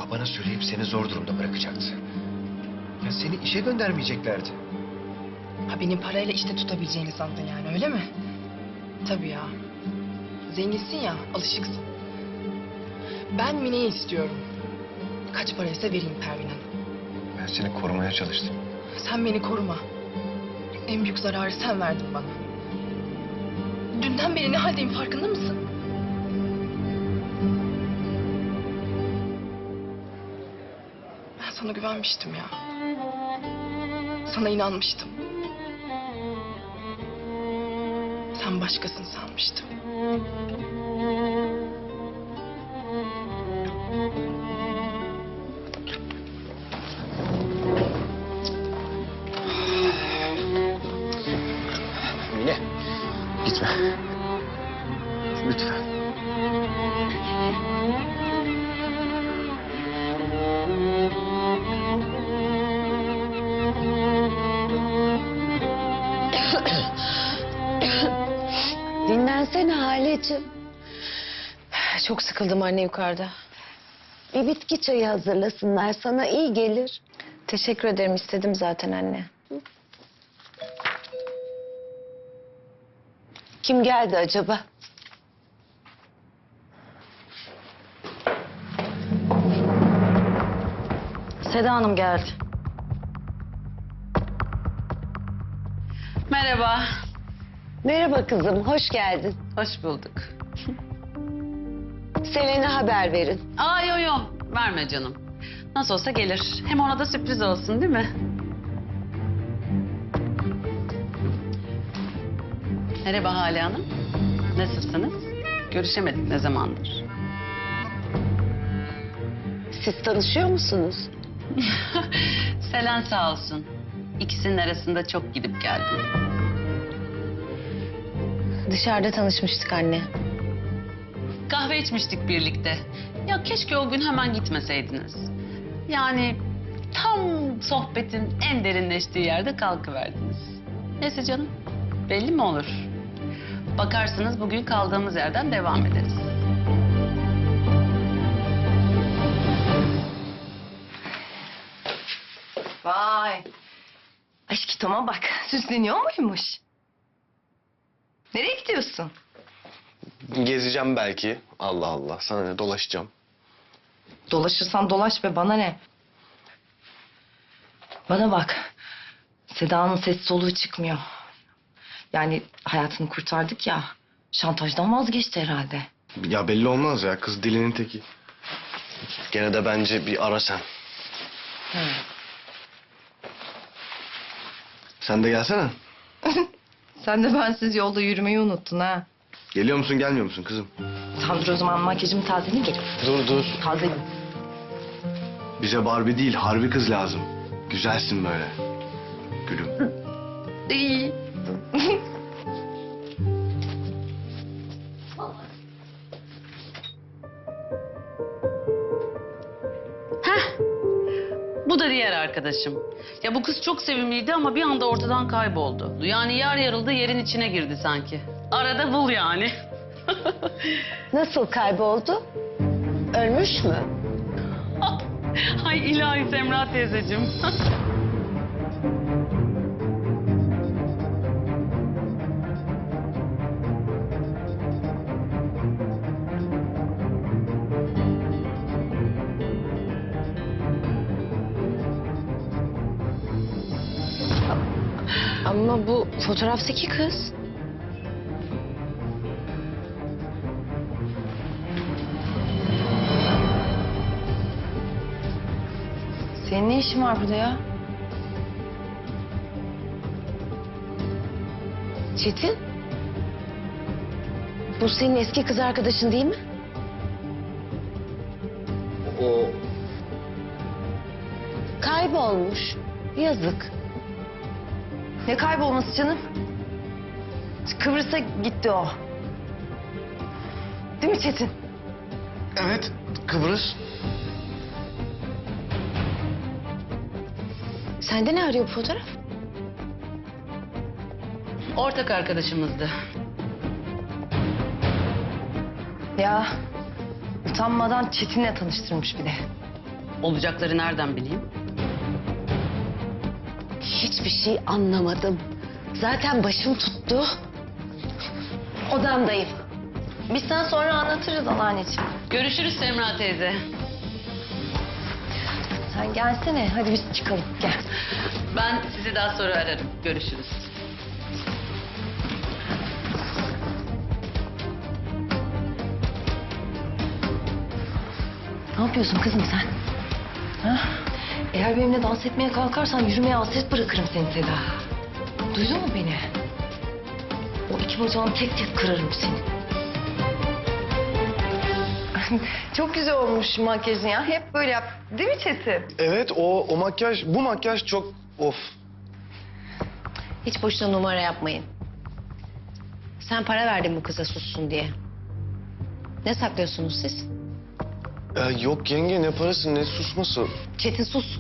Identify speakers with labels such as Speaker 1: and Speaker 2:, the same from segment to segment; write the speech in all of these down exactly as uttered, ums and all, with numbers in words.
Speaker 1: babana söyleyip seni zor durumda bırakacaktı. Ya seni işe göndermeyeceklerdi.
Speaker 2: Ha beni parayla işte tutabileceğini sandın yani öyle mi? Tabii ya. Zenginsin ya, alışıksın. Ben Mine'yi istiyorum. Kaç paraysa vereyim Pervin Hanım.
Speaker 1: Ben seni korumaya çalıştım.
Speaker 2: Sen beni koruma. En büyük zararı sen verdin bana. Dünden beri ne haldeyim farkında mısın? Ben sana güvenmiştim ya. Sana inanmıştım. Sen başkasını sanmıştım.
Speaker 1: Mine, gitme. Lütfen.
Speaker 3: Dinlensene Haleciğim. Çok sıkıldım anne yukarıda. Bir bitki çayı hazırlasınlar, sana iyi gelir. Teşekkür ederim, istedim zaten anne. Kim geldi acaba? Seda Hanım geldi.
Speaker 4: Merhaba.
Speaker 3: Merhaba kızım, hoş geldin.
Speaker 4: Hoş bulduk.
Speaker 3: Selen'e haber verin.
Speaker 4: Aa yo yo verme canım. Nasıl olsa gelir. Hem ona da sürpriz olsun değil mi? Merhaba Hale Hanım. Nasılsınız? Görüşemedik ne zamandır?
Speaker 3: Siz tanışıyor musunuz?
Speaker 4: Selen sağ olsun. İkisinin arasında çok gidip geldim.
Speaker 3: Dışarıda tanışmıştık anne.
Speaker 4: Kahve içmiştik birlikte. Ya keşke o gün hemen gitmeseydiniz. Yani tam sohbetin en derinleştiği yerde kalkıverdiniz. Neyse canım, belli mi olur? Bakarsınız bugün kaldığımız yerden devam ederiz.
Speaker 2: Vay. Aşkı Tom'a bak. Süsleniyor muymuş? Nereye gidiyorsun?
Speaker 5: Gezeceğim belki. Allah Allah. Sana ne, dolaşacağım.
Speaker 2: Dolaşırsan dolaş be, bana ne? Bana bak. Seda'nın ses soluğu çıkmıyor. Yani hayatını kurtardık ya. Şantajdan vazgeçti herhalde.
Speaker 5: Ya belli olmaz ya. Kız dilinin teki. Gene de bence bir ara sen. Sen de gelsene.
Speaker 2: Sen de bensiz yolda yürümeyi unuttun ha.
Speaker 5: Geliyor musun gelmiyor musun kızım?
Speaker 2: Tamam dur o zaman makyajımı tazeleyeyim gelip.
Speaker 5: Dur dur.
Speaker 2: Tazeleyeyim.
Speaker 5: Bize Barbie değil harbi kız lazım. Güzelsin böyle. Gülüm.
Speaker 2: İyi.
Speaker 4: Bu da diğer arkadaşım. Ya bu kız çok sevimliydi ama bir anda ortadan kayboldu. Yani yer yarıldı yerin içine girdi sanki. Arada bul yani.
Speaker 3: Nasıl kayboldu? Ölmüş mü?
Speaker 4: Ay ilahi Semra teyzeciğim.
Speaker 3: Ama bu fotoğraftaki kız.
Speaker 2: Senin ne işin var burada ya?
Speaker 3: Çetin? Bu senin eski kız arkadaşın değil mi?
Speaker 5: O
Speaker 3: Kaybolmuş. Yazık.
Speaker 2: Ne kaybolması canım? Kıbrıs'a gitti o. Değil mi Çetin?
Speaker 5: evet Kıbrıs.
Speaker 3: Sende ne arıyor bu fotoğraf?
Speaker 4: Ortak arkadaşımızdı.
Speaker 2: Ya utanmadan Çetin'le tanıştırmış bir de.
Speaker 4: Olacakları nereden bileyim?
Speaker 3: Hiçbir şey anlamadım. Zaten başım tuttu. Odamdayım.
Speaker 6: Biz sen sonra anlatırız anneanneciğim.
Speaker 4: Görüşürüz Semra teyze.
Speaker 6: Sen gelsene. Hadi biz çıkalım. Gel.
Speaker 4: Ben sizi daha sonra ararım. Görüşürüz.
Speaker 6: Ne yapıyorsun kızım sen? Ha? Eğer benimle dans etmeye kalkarsan yürümeye hasret bırakırım seni Seda. Duydun mu beni? O iki bacağını tek tek kırarım seni. Çok güzel olmuş makyajın ya. Hep böyle yap. Değil mi Çetin?
Speaker 5: Evet o, o makyaj, bu makyaj çok of.
Speaker 3: Hiç boşuna numara yapmayın. Sen para verdin bu kıza sussun diye. Ne saklıyorsunuz siz?
Speaker 5: Ya yok yenge ne parası ne susması.
Speaker 3: Çetin sus.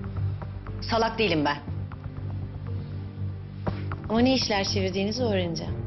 Speaker 3: Salak değilim ben. Ama ne işler çevirdiğinizi öğreneceğim.